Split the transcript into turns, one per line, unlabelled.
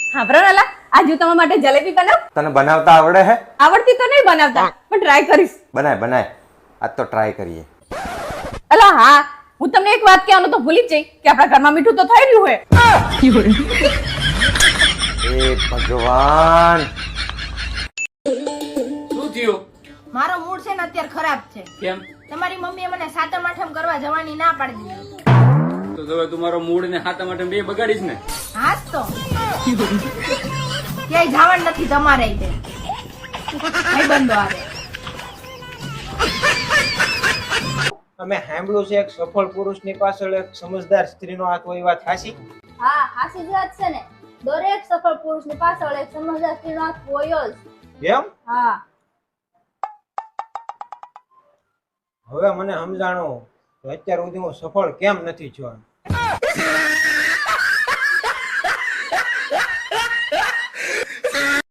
હા પ્રણાલા, આજે હું તમારા માટે જલેબી બનાવ.
તને બનાવતા આવડે હે?
આવડતી તો નહીં બનાવતા, પણ ટ્રાય કરીશ.
બનાય બનાય, આજ તો ટ્રાય કરીએ.
અલા હા, હું તમને એક વાત કહેવાનું તો ભૂલી જ જઈ કે આપણા ઘરમાં મીઠું તો થઈ રહ્યું હોય.
એ ભગવાન,
શું થયું?
મારો મૂડ છે ને અત્યારે ખરાબ છે.
કેમ?
તમારી મમ્મીએ મને સાતમ આઠમ કરવા જવાની ના પાડી દીધી.
તો હવે તું મારો મૂડ ને હાથા માટે બે બગાડીશ ને.
હાસ તો ક્યાંય જવાનું નથી તમારે તે ભાઈબંધો આવે.
અમે સાંભળ્યું છે એક સફળ પુરુષની પાછળ એક સમજદાર સ્ત્રીનો હાથ હોય, વાત સાચી?
હા, હાસી જ વાત છે ને. દરેક સફળ પુરુષની પાછળ એક સમજદાર સ્ત્રીનો હાથ હોય જ.
એમ?
હા.
હવે મને સમજાણો કે અત્યાર સુધી હું સફળ કેમ નથી થયો.